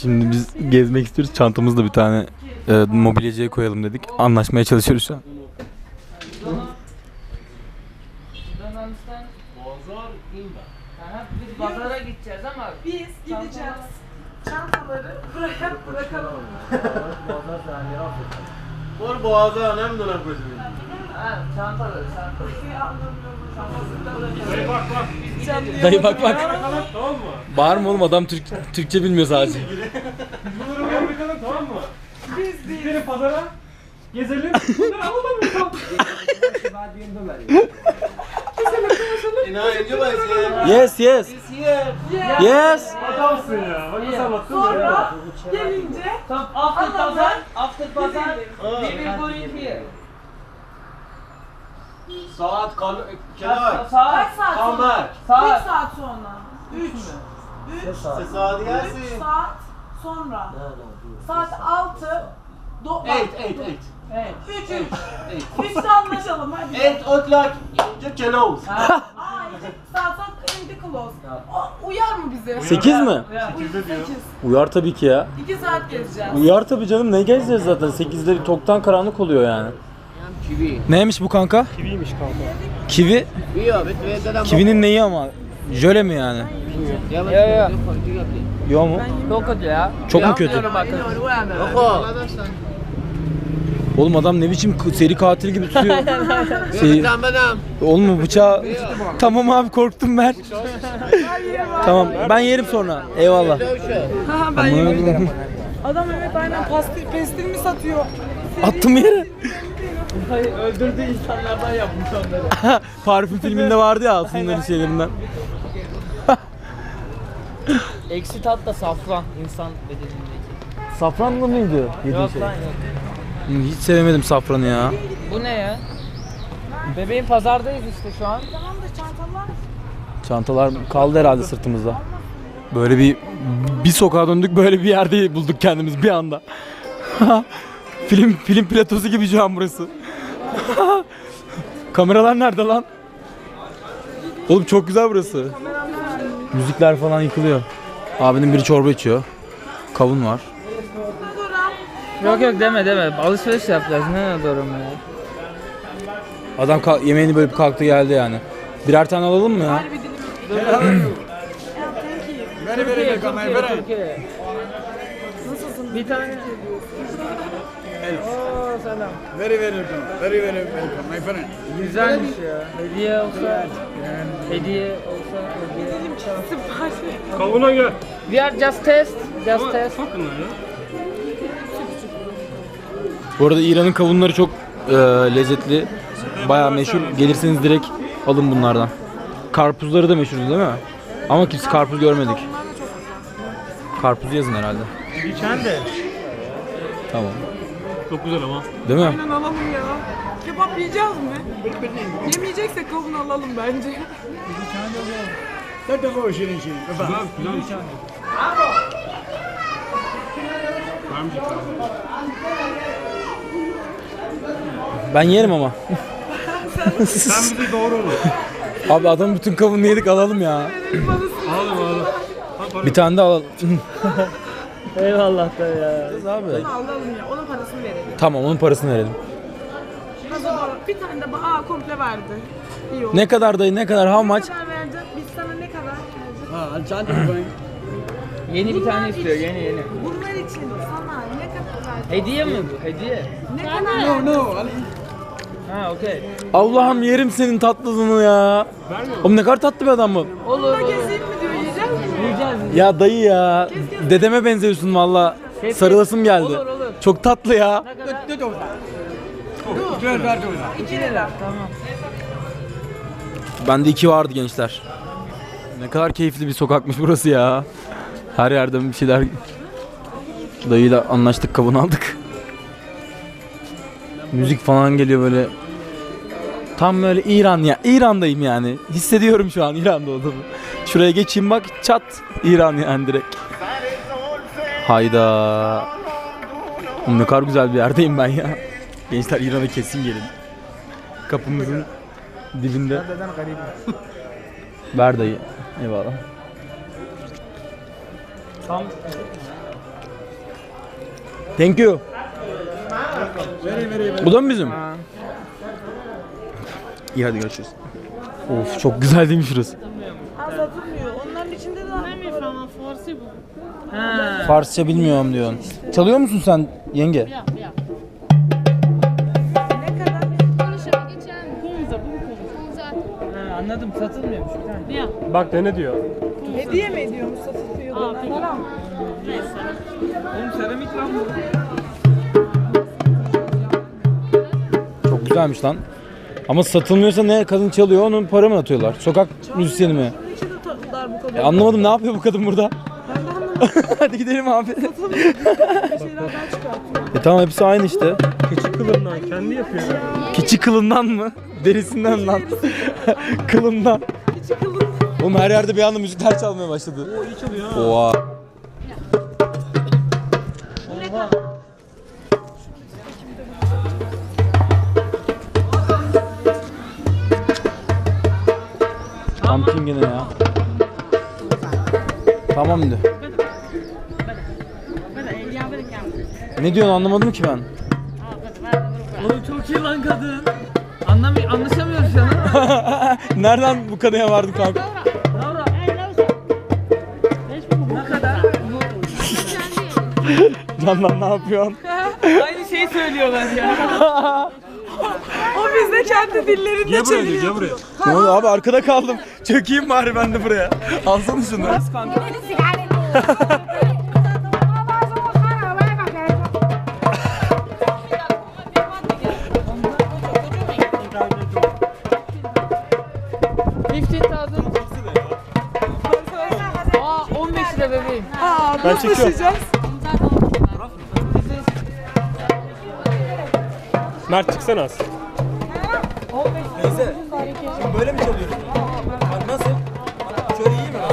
Şimdi biz gezmek istiyoruz. Çantamızda bir tane mobilyacıya koyalım dedik. Anlaşmaya çalışıyoruz şu an. Biz pazara gideceğiz ama Biz gideceğiz. Çantaları bırakalım. Var boğaza önemli dönem gözümün. çantaları. Dayı bak bak. Tamam mı? Bağırma oğlum, adam Türkçe bilmiyor sadece. Bunları bir bakalım, tamam mı? Biz Gidelim pazara. Gezelim. Bunları alalım mı? Yes yes. Yes. Adamsın ya. Bak nasıl anlattın sonra gelince Tam after pazar, we will go in here. Saat kaç kenar. saat Come sonra? back. 3 saat sonra. 3 Saat 3 gelsin. saat sonra. Saat 6 Eight. 3 3'te anlaşalım hadi. 8 o'clock. Just close. Aa, 2 saat sonra indi close. Uyar mı bize? 8 mi? 8. Uyar tabii ki ya. 2 saat gezeceğiz. Uyar tabii canım, ne gezeceğiz zaten, 8'de toktan karanlık oluyor yani. Neymiş bu kanka? Kiviymiş kanka. Kivi? Kivinin neyi ama? Jöle mi yani? Ya. Yo mu? Çok kötü ya. Çok mu kötü? Oğlum adam ne biçim seri katil gibi tutuyor. Oğlum bıçağı... Tamam abi, korktum ben. Tamam, ben yerim sonra. Eyvallah. Ben yemedim. Adam evet aynen pestil mi satıyor? Attım yere. Öldürdüğü insanlardan yapmış onları. Parfüm filminde vardı ya, altınların şeylerinden. Eksi tat da safran insan bedenindeki. Safranlı mıydı yediğin Yok şey? lan yok. Hiç sevemedim safranı ya. Bu ne ya? Bebeğin pazardayız işte şu an. Tamam da çantalar. Çantalar kaldı herhalde sırtımızda. Böyle bir sokağa döndük, böyle bir yerde bulduk kendimiz bir anda. film platosu gibi şu an burası. Kameralar nerede lan? Oğlum çok güzel burası. Müzikler falan yıkılıyor. Abinin biri çorba içiyor. Kavun var. Yok deme. Alışveriş yapacağız. Ne doğru mu ya? Adam yemeğini bölüp kalktı geldi yani. Birer tane alalım mı ya? Türkiye. Nasılsın? Bir tane. Oo selam. Very welcome, my friend. Güzelmiş ya. Hediye olsa. Hediye. Kavuna gel. We are just test. Bakın lan ya. Bu arada İran'ın kavunları çok lezzetli. Bayağı meşhur. Gelirseniz direkt alın bunlardan. Karpuzları da meşhur değil mi? Ama kimse karpuz görmedik. Karpuz yazın herhalde. Geçen de. Tamam. Çok güzel ama. Değil mi? Aynen alalım ya. Kebap yiyeceğiz mi? Yemeyeceksek kavun alalım bence. Let us go, Shirin. Güzel. Ben yerim ama. Sen bizi doğru olur. Abi adamın bütün kavununu yedik, alalım ya. Alalım. Bir tane de alalım. Eyvallah da ya. Abi. Alalım ya. Onun parasını verelim. Tamam, onun parasını verelim. Hazır bana bir tane de komple verdi. İyi oldu. Ne kadar dayı, ne kadar, how Ne much? kadar verdi? Biz sana ne kadar verdik? Yeni bir tane istiyor. Yeni. Bunlar için sana ne kadar verdi? Hediye mi bu? Hediye. Ne kadar verdi? Ha okey. Allah'ım yerim senin tatlılığını ya. Oğlum ne kadar tatlı bir adam bu. Olur. Gezeyim mi diyor, yiyecek misin? Yiyeceğiz. Ya dayı ya. Dedeme benziyorsun valla. Sarılasım geldi. Olur. Çok tatlı ya. Ne kadar? 2 lira. Tamam. Bende 2 vardı gençler. Ne kadar keyifli bir sokakmış burası ya. Her yerden bir şeyler. Dayıyla anlaştık, kavun aldık. Müzik falan geliyor böyle. Tam böyle İran ya. İran'dayım yani. Hissediyorum şu an İran'da olduğumu. Şuraya geçeyim bak, çat. İran yani direkt. Hayda. Ne kadar güzel bir yerdeyim ben ya. Gençler İran'a kesin gelin. Kapımızın dibinde. Ver dayı. Eyvallah. Tam Thank you. Bu da mı bizim? İyi hadi görüşürüz. Of çok güzel değil mi şurası? Satılmıyor. Onların içinde de Farsça bilmiyorum diyorsun. Çalıyor musun sen yenge? Anladım, satılmıyormuş bir tane. Bak dene diyor. hediye mi ediyormuş satılıyor? Para mı? Oğlum seramik lan bu. Çok güzelmiş lan. Ama satılmıyorsa ne kadın çalıyor onun para mı atıyorlar? Sokak müzisyeni mi? Bunun içinde tatlılar bu kadar. Anlamadım ne yapıyor bu kadın burada? Ben de anlamadım. Hadi gidelim abi. Bir şeylerden çıkartıyor. Tamam hepsi aynı işte. Keçi kılından kendi yapıyor. Keçi kılından mı? Derisinden lan. Kılından. Hiç kılın. Oğlum her yerde bir anda müzikler çalmaya başladı. O iyi çalıyor ha. Oha. Pumpkin gene ya. Tamam de. Ne diyorsun anlamadım ki ben. Oğlum çok iyi lan kadın. Anlaşamıyoruz şu an ama. Nereden bu kanıya vardın kanka? Ne kadar? Candan ne yapıyorsun? Aynı şeyi söylüyorlar ya. O bizde kendi dillerinde Gel buraya diyor, çeviriyor. gel buraya. Ne oldu abi arkada kaldım. Çökeyim bari ben de buraya. Alsana şunu. Aa 15 lira bebeğim. Aa, Ben nasıl çekiyorum. taşıyacağız? Mert çıksana az. Neyse. Şimdi böyle mi çalıyorsun? Nasıl? Şöyle iyi mi?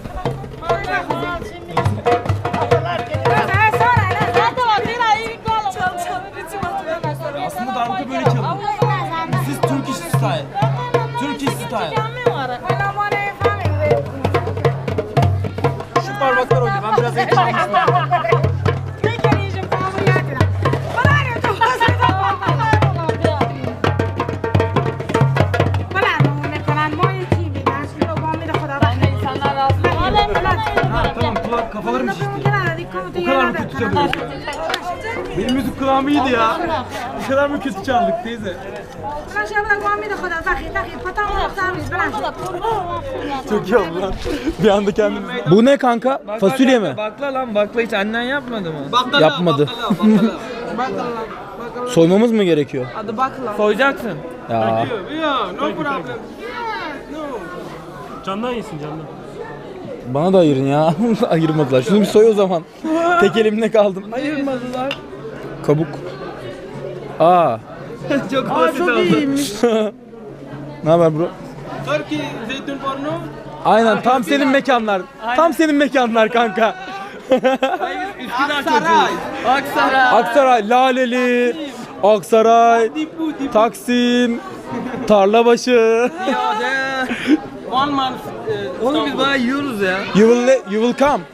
Aslında darbuka böyle çalıyor. This is Turkish style. Turkish style. Şu parmaklar oynuyor. Ben biraz eğitim almışım. Tamam kafalarım şişti. O kadar mı kötü çalıyorsun? Benim müzik kulağım iyiydi ya. Bu kadar mı kötü çaldık teyze? Çok iyi oldu lan. Bir anda kendimiz. Bu ne kanka? Fasulye mi? Bakla lan bakla hiç annen yapmadı mı? Yapmadı. Soymamız mı gerekiyor? Adı bakla. Soyacaksın. Ya. Candan yesin candan. Bana da ayırın ya. Ayırmadılar. Şunu bir soy o zaman. Tek elimle kaldım. Ayırmadılar. Kabuk. Aa. Çok Aa basit çok oldu. iyiymiş. Ne haber bro? Turkey zeytin porno. Aynen tam senin mekanlar. Tam senin mekanlar kanka. Üsküdar çocuğu. Aksaray. Aksaray, Laleli, Aksaray, Taksim, Tarlabaşı. One month. Oğlum biz bayağı yiyoruz ya. You will come.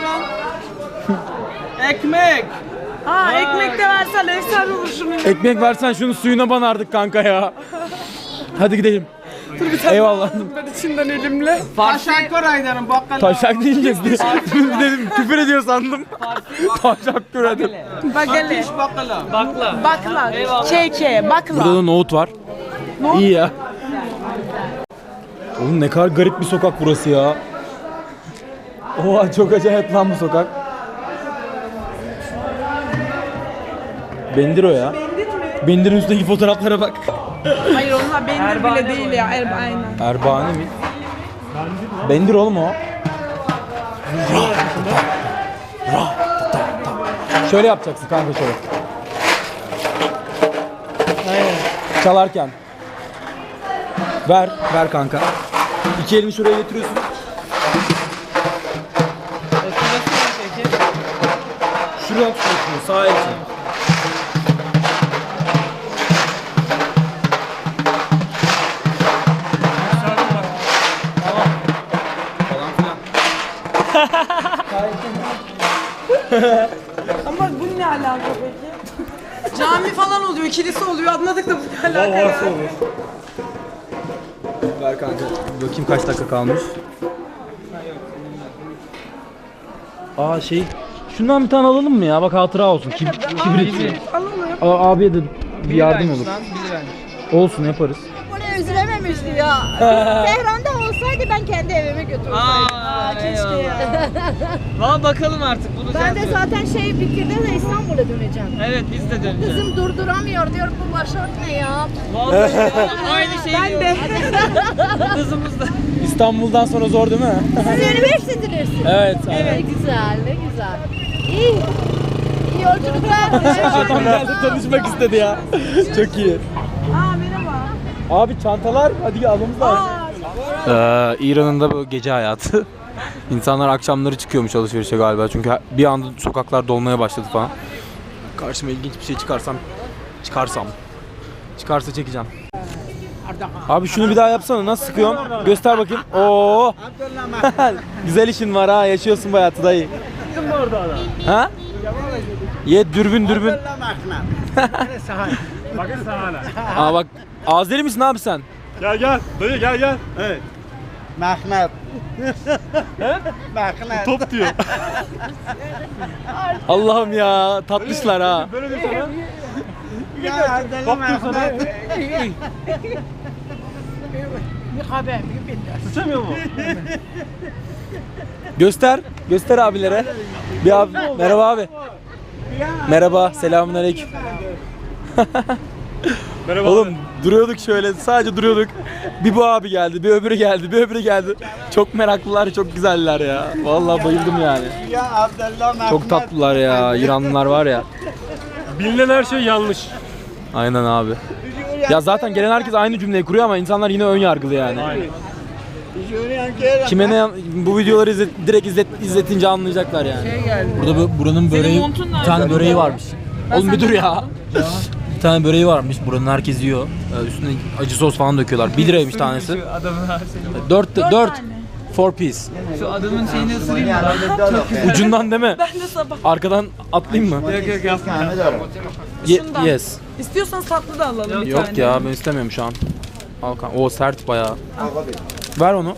Ekmek. Ha ekmek de versen efsane olur şunu. Ekmek versen şunun suyuna banardık kanka ya. Hadi gidelim. Eyvallah. Ben içinden elimle. Teşekkür ederim bakkal. Taşak deyince dedim küfür ediyor sandım. Taşak dedim. Bagele. Bakkala. Bakla. Bakla. Eyvallah. Keke. Bakla. Burada da nohut var. İyi ya. Oğlum ne kadar garip bir sokak burası ya. Oha çok acayip lan bu sokak. Bendir o ya. Bendir'in üstteki fotoğraflara bak. Hayır onlar bendir Erbane bile değil bu. ya. Aynen. Erbane mi? Bendir oğlum o. Şöyle yapacaksın kanka şöyle. Çalarken. Ver kanka. İki elini şuraya getiriyorsun. Şuraya tutuyorsun sağ el için. Ama bu ne alaka? Cami falan oluyor, kilise oluyor. Anladık da bu ne alaka ya? Ver kanka. Bakayım kaç dakika kalmış. Aa şey, şundan bir tane alalım mı ya? Bak hatıra olsun. Kibrit. Abiye de bir yardım olur. Olsun, yaparız. Bunu üzülememişti ya. Tehran'da olsaydı ben kendi evime götürseydim. Keşke ya. Valla bakalım artık bulacağız. Ben de zaten bitirdim de İstanbul'a döneceğim. Evet biz de döneceğiz. Kızım durduramıyor diyor bu başörtü ne ya? Vallahi ya, aynı şey ben de. Kızımız da. İstanbul'dan sonra zor değil mi? Siz üniversitedesiniz. Evet. Ne güzel, ne güzel. İyi. İyi yolculuklar. Adam geldi tanışmak istedi ya. Çok iyi. Aa merhaba. Abi çantalar, hadi almamız lazım. İran'ın da bu gece hayatı. İnsanlar akşamları çıkıyormuş alışverişe galiba çünkü bir anda sokaklar dolmaya başladı falan. Karşıma ilginç bir şey çıkarsa çekeceğim. Abi şunu bir daha yapsana, nasıl sıkıyorsun? Göster bakayım. Oo. Güzel işin var ha, yaşıyorsun bu hayatı dayı. Ha? Ye dürbün. Bakın sana hala. Aa bak, Azeri misin abi sen? Gel. Dayı gel. Mehmet. Mehmet. Top diyor. Allah'ım ya, tatlışlar ha. Böyle diyor sana. Ya Top diyor sana. Sıçamıyor mu? Göster abilere. Bir abi, merhaba abi. Merhaba, selamünaleyküm. Merhaba. Oğlum duruyorduk şöyle, sadece duruyorduk. Bir bu abi geldi, bir öbürü geldi. Çok meraklılar, çok güzeller ya. Vallahi bayıldım yani. Ya Abdullah Mehmet. Çok tatlılar ya, İranlılar var ya. Bilinen her şey yanlış. Aynen abi. Ya zaten gelen herkes aynı cümleyi kuruyor ama insanlar yine ön yargılı yani. Kime ne bu videoları direkt izletince anlayacaklar yani. Burada buranın böreği, montun bir nerede? tane böreği varmış. Oğlum bir dur ya. Bir tane böreği varmış. Buranın herkes yiyor. Üstüne acı sos falan döküyorlar. 1 liraymış tanesi. Şu adamın her şeyini. 4 piece. Şu adamın şeyini ısırayım mı? Ucundan değil mi? Ben de sabah. Arkadan atlayayım mı? Yok yapma. Şundan. Yes. İstiyorsan tatlı da alalım bir Yok tane. ya, ben istemiyorum şu an. Al kanka. O sert bayağı. Ver onu.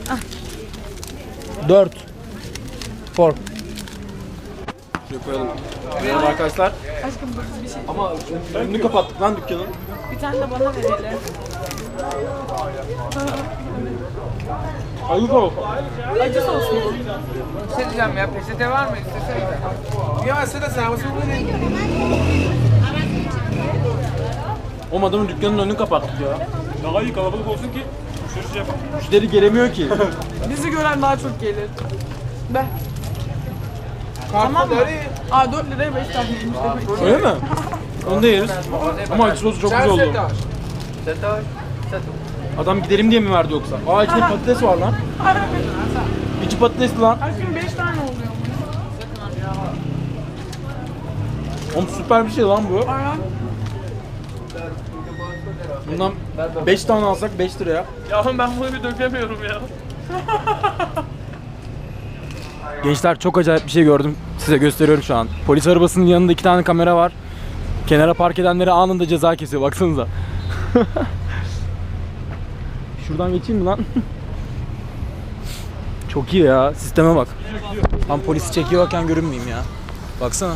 4 Şuraya koyalım. Merhaba arkadaşlar. Aşkım dur bir şey. Ama önünü kapattık lan dükkanın. Bir tane de bana ver hele. Ayıp ol. Acı sos mu? Bir şey diyeceğim ya peçete var mı? İstesene. Ya sen de sen O adamın dükkanın önünü kapattık ya. Daha iyi kalabalık olsun ki müşteri şey yapar. Müşteri gelemiyor ki. Bizi gören daha çok gelir. Be. Tamam mı? Aa 4 liraya 5 tane yemiş demek. Öyle mi? Onu da yeriz. Ama acı sosu çok güzel oldu. Adam gidelim diye mi verdi yoksa? Aa içinde patates var lan. İçi patatesli lan. Aşkım 5 tane oluyor. Oğlum süper bir şey lan bu. Bundan 5 tane alsak 5 liraya. Ya ben bunu bir dökemiyorum ya. Gençler, çok acayip bir şey gördüm. Size gösteriyorum şu an. Polis arabasının yanında 2 tane kamera var. Kenara park edenlere anında ceza kesiyor. Baksanıza. Şuradan geçeyim mi lan? Çok iyi ya. Sisteme bak. Tam polisi çekiyorken görünmeyeyim ya. Baksana.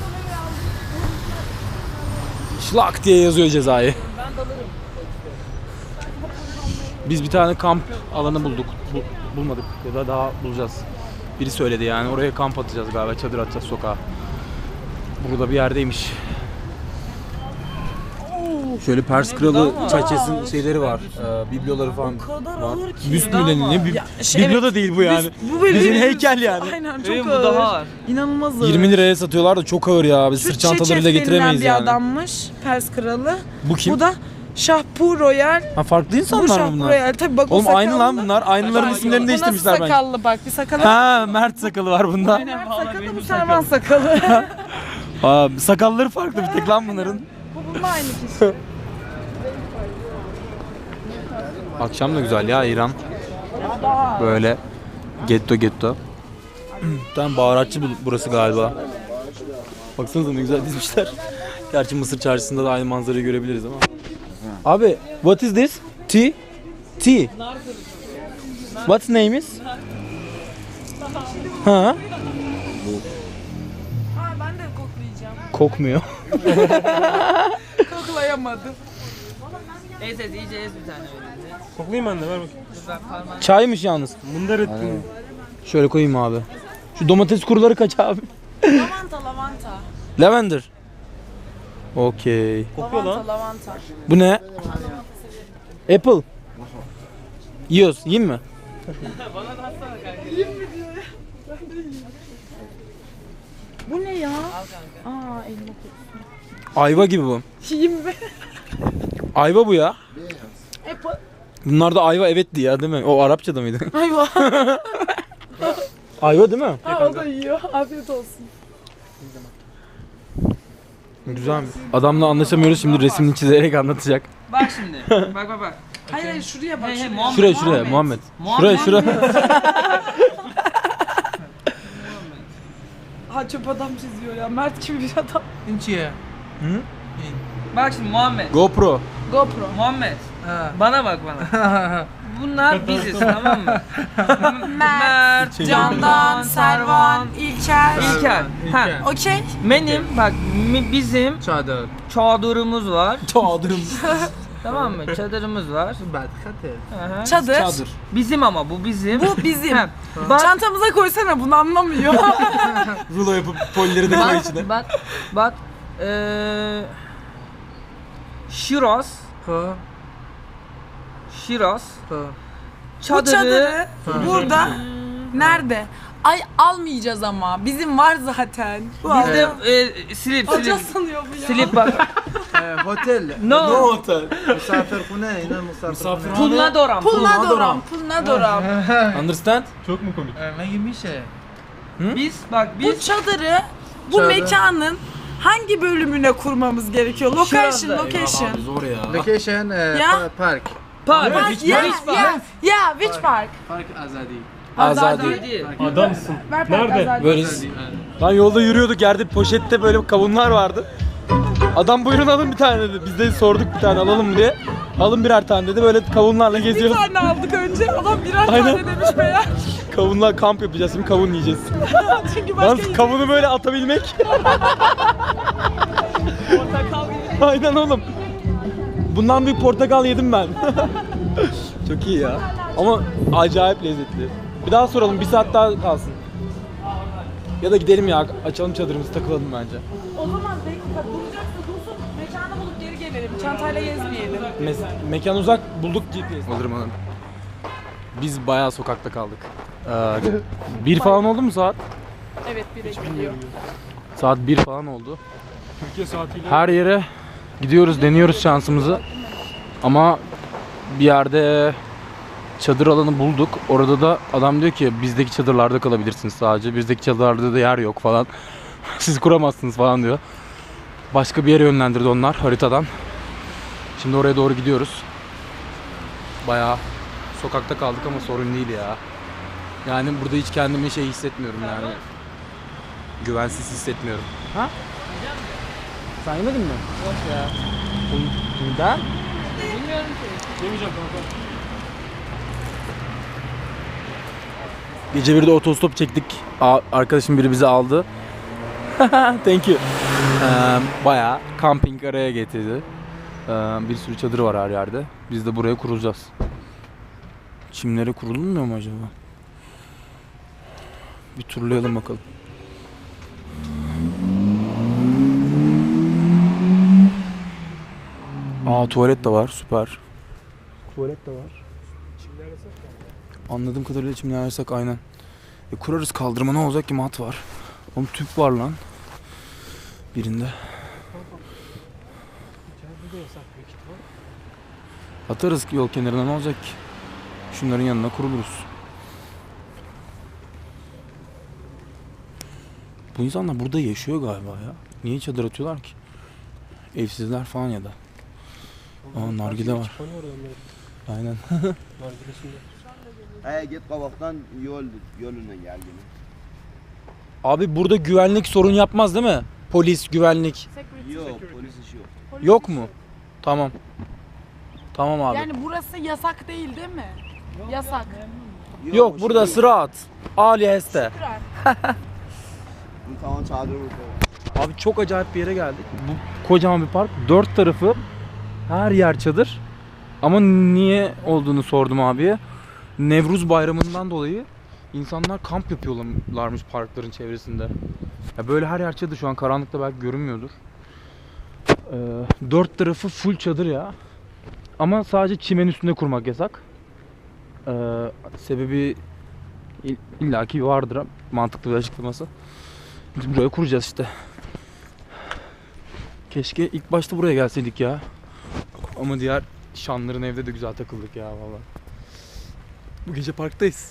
Şlak diye yazıyor cezayı. Biz bir tane kamp alanı bulduk. Bulmadık ya da daha bulacağız. Biri söyledi yani, oraya kamp atacağız galiba, çadır atacağız sokağa. Burada bir yerdeymiş. Şöyle Pers Kralı çerçevesinin şeyleri var, bibloları falan var. Büst mü deniyor? Biblo da değil bu yani. Bu böyle Bizim bir- heykel yani. Aynen çok Benim bu ağır. daha ağır. İnanılmaz ağır. 20 liraya satıyorlar da çok ağır ya. Biz sırt çantalarıyla getiremeyiz bir yani. adammış, Pers kralı. Bu kim? Bu da Şahpu Royal. Ha, farklı Bu insanlar mı Şahpu bunlar? Royal. Tabii bak o Oğlum aynı lan sakallı. bunlar. Aynıların isimlerini Bu değiştirmişler nasıl bence. sakallı bak, bir sakalı. Ha, Mert sakalı var bunda. Mert sakalı, bu Servan sakalı. Aa, sakalları farklı bir tek lan bunların. Bu bununla aynı kişi. Akşam da güzel ya İran. Böyle getto. Tam baharatçı burası galiba. Baksanıza ne güzel dizmişler. Gerçi Mısır çarşısında da aynı manzarayı görebiliriz ama. Abi, what is this? Tea? Tea. What's name is? Ha? Ha ben de koklayacağım. Kokmuyor. Koklayamadım. Ez ez iyice ez bir tane öyle. Koklayayım ben de ver bakayım. Dur ben parmağını. Çaymış yalnız. Mundar ettim. Şöyle koyayım abi. Şu domates kuruları kaç abi? Lavanta lavanta. Lavender. Okey. Kokuyor lan. Lavanta lavanta. Bu ne? Apple. Yiyoruz. Yiyeyim mi? Bu ne ya? Al kanka. Aa elma Ayva gibi bu. Yiyeyim mi? Ayva bu ya. Apple. Bunlar da ayva evetti ya değil mi? O Arapçada mıydı? Ayva. Ayva değil mi? Ha o da yiyor. Afiyet olsun. Güzel. Adamla anlaşamıyoruz şimdi resmini çizerek anlatacak. Bak şimdi. Bak bak bak. Hayır hayır şuraya bak. Hey, hey, şuraya. Muhammed. Şuraya Muhammed. Muhammed. Şuraya. Ha çöp adam çiziyor ya. Mert gibi bir adam. İnçiye. Hı? Bak şimdi Muhammed. GoPro. GoPro. Muhammed. Bana bak bana. Bunlar biziz tamam mı? Mert, Candan, Servan, İlker. İlker. Ha. Okey. Benim bak bizim çadırımız var. Çadırım. Tamam mı? Çadırımız var. Aha. Çadır. Bizim ama bu bizim. Bu bizim. Ha, Bak, Çantamıza koysana bunu anlamıyor. Rulo yapıp polileri de koy içine. bak. Şiraz. Şiraz. Bu Çadırı. çadırı burada. Nerede? Ay almayacağız ama. Bizim var zaten. Bu Bizde slip Hoca slip. sanıyor bu ya. Slip bak. هوتيل No. otel? مسافر خونه هنا مسافر Pulna doram. Pulnadoram. Pulnadoram. Understand? Çok mu komik? Biz bak Bu biz çadırı bu mekanın hangi bölümüne kurmamız gerekiyor? Location, Şurada. location. Zor ya. لوكيشن Ya. بارك park. Which park? بارك ازادي Azadi. Adamsın. Ver Nerede? Azadi. Böyleyiz. Lan yolda yürüyorduk yerde poşette böyle kavunlar vardı. Adam buyurun alın bir tane dedi. Biz de sorduk bir tane alalım mı diye. Alın birer tane dedi. Böyle kavunlarla Bir geziyoruz. tane aldık önce. Adam birer Aynen. tane demiş meğer. Kavunlar kamp yapacağız şimdi kavun yiyeceğiz. Çünkü başka Yalnız kavunu böyle atabilmek. Aynen oğlum. Bundan bir portakal yedim ben. Çok iyi ya. Ama acayip lezzetli. Bir daha soralım, bir saat daha kalsın. Ya da gidelim ya, açalım çadırımızı, takılalım bence. O zaman dakika duracaksa dursun. Mekanı bulup geri gelelim. Çantayla gezmeyelim. Mekan uzak, bulduk GPS. Alırım alırım. Biz bayağı sokakta kaldık. Bir falan oldu mu saat? Evet bire gidiyor. Saat 1 falan oldu. Türkiye saatiyle. Her yere gidiyoruz, deniyoruz şansımızı. Ama bir yerde çadır alanı bulduk. Orada da adam diyor ki bizdeki çadırlarda kalabilirsiniz sadece. Bizdeki çadırlarda da yer yok falan. Siz kuramazsınız falan diyor. Başka bir yere yönlendirdi onlar haritadan. Şimdi oraya doğru gidiyoruz. Bayağı sokakta kaldık ama sorun değil ya. Yani burada hiç kendimi şey hissetmiyorum yani. Güvensiz hissetmiyorum. Ha? Sen yemedin mi? Yok ya. Neden? Yemeyeceğim kanka. Gece bir de otostop çektik. Arkadaşım biri bizi aldı. Thank you. Bayağı camping araya getirdi. Bir sürü çadır var her yerde. Biz de buraya kurulacağız. Çimlere kurulmuyor mu acaba? Bir turlayalım bakalım. Tuvalet de var, süper. Tuvalet de var. Anladığım kadarıyla çimler yasak aynen. Kurarız, kaldırma ne olacak ki, mat var. Oğlum tüp var lan. Birinde. Atarız ki yol kenarına, ne olacak ki? Şunların yanına kuruluruz. Bu insanlar burada yaşıyor galiba ya. Niye çadır atıyorlar ki? Evsizler falan ya da. Nargile var. Aynen. git kavaktan yoluna gel yine. Abi burada güvenlik sorun yapmaz değil mi? Polis, güvenlik. Yok polis işi yok. Yok mu? Tamam. Tamam abi. Yani burası yasak değil değil mi? Yasak. Yok burada sıra Ali Heste. Tamam çadır burada. Abi çok acayip bir yere geldik. Bu kocaman bir park. 4 tarafı her yer çadır. Ama niye olduğunu sordum abiye. Nevruz bayramından dolayı insanlar kamp yapıyorlarmış parkların çevresinde. Ya böyle her yer çadır, şu an karanlıkta belki görünmüyordur. 4 tarafı full çadır ya. Ama sadece çimen üstünde kurmak yasak. Sebebi illaki vardır, mantıklı bir açıklaması. Biz buraya kuracağız işte. Keşke ilk başta buraya gelseydik ya. Ama diğer şanların evde de güzel takıldık ya vallahi. Bu gece parktayız.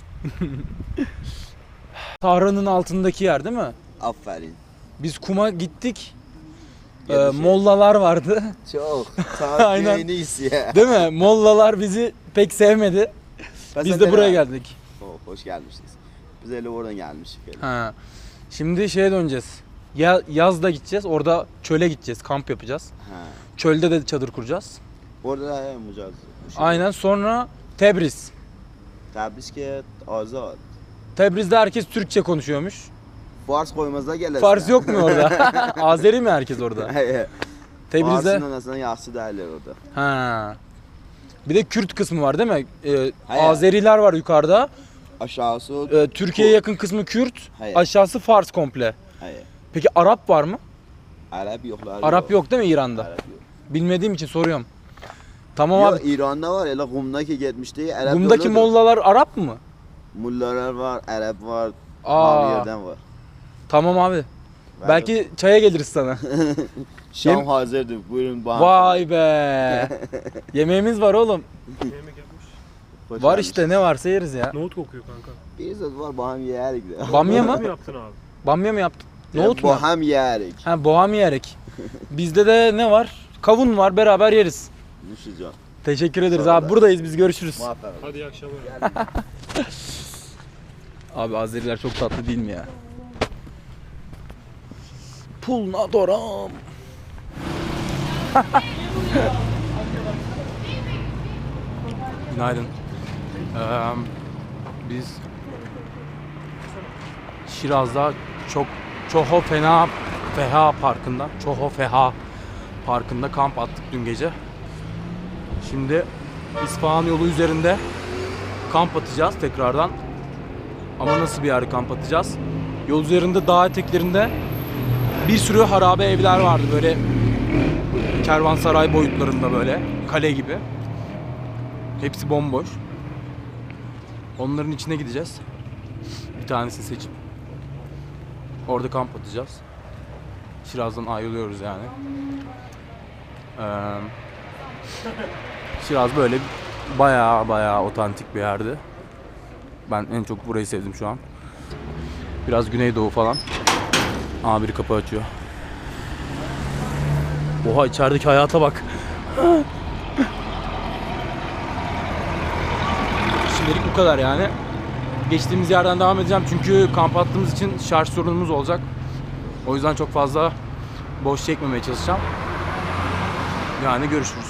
Sahra'nın altındaki yer değil mi? Aferin. Biz kuma gittik. Gelişe. Mollalar vardı. Çok. Aynen. Sana en iyisi ya. Değil mi? Mollalar bizi pek sevmedi. Biz de buraya geldik. Hoş gelmişsiniz. Biz öyle oradan gelmiştik. Ha. Şimdi şeye döneceğiz. Yazda gideceğiz. Orada çöle gideceğiz. Kamp yapacağız. Ha. Çölde de çadır kuracağız. Orada da yapacağız. Aynen, sonra Tebriz. Tabrisket azad. Tebriz'de herkes Türkçe konuşuyormuş. Fars koymazda gelirsin. Fars yok mu orada? Azeri mi herkes orada? Tebriz'de. Fars'ın aslında yaxşı derler orada. Ha. Bir de Kürt kısmı var değil mi? Hayır. Azeriler var yukarıda. Aşağısı Türkiye'ye yakın kısmı Kürt. Hayır. Aşağısı Fars komple. Hayır. Peki Arap var mı? Arap yoklar. Arap yok değil mi İran'da? Arap yok. Bilmediğim için soruyorum. Tamam Yok, abi. İran'da var. Hele Kum'daki gitmişti. Arap Bundaki yoludur. mollalar Arap mı? Mullalar var, Arap var. Aa. Mavi yerden var. Tamam abi. Belki çaya geliriz sana. Şam hazırdır. Buyurun bana. Vay be. Yemeğimiz var oğlum. Yemek yapmış. Hoş Var gelmişsiniz. işte, ne varsa yeriz ya. Nohut kokuyor kanka. Bir zat var baham yerik de. Bamya Nohut mu mı? yaptın abi? Bamya mı yaptın? Nohut mu? Baham yerik. Ha, boğa mı yerek? Bizde de ne var? Kavun var, beraber yeriz. Nuşacağım. Teşekkür ederiz Sağ ol abi. abi. Buradayız, biz görüşürüz. Muhabbet. Hadi iyi akşamlar. Abi Azeriler çok tatlı değil mi ya? Pulna doram. Günaydın. Biz Şiraz'da Çoho Feha Parkı'nda kamp attık dün gece. Şimdi İsfahan yolu üzerinde kamp atacağız tekrardan. Ama nasıl bir yerde kamp atacağız? Yol üzerinde, dağ eteklerinde bir sürü harabe evler vardı, böyle kervansaray boyutlarında, böyle kale gibi. Hepsi bomboş. Onların içine gideceğiz. Bir tanesini seçip orada kamp atacağız. Şiraz'dan ayrılıyoruz yani. Şiraz böyle bayağı otantik bir yerdi. Ben en çok burayı sevdim şu an. Biraz Güneydoğu falan. Biri kapı açıyor. Oha, içerideki hayata bak. Şimdilik bu kadar yani. Geçtiğimiz yerden devam edeceğim çünkü kamp attığımız için şarj sorunumuz olacak. O yüzden çok fazla boş çekmemeye çalışacağım. Yani görüşürüz.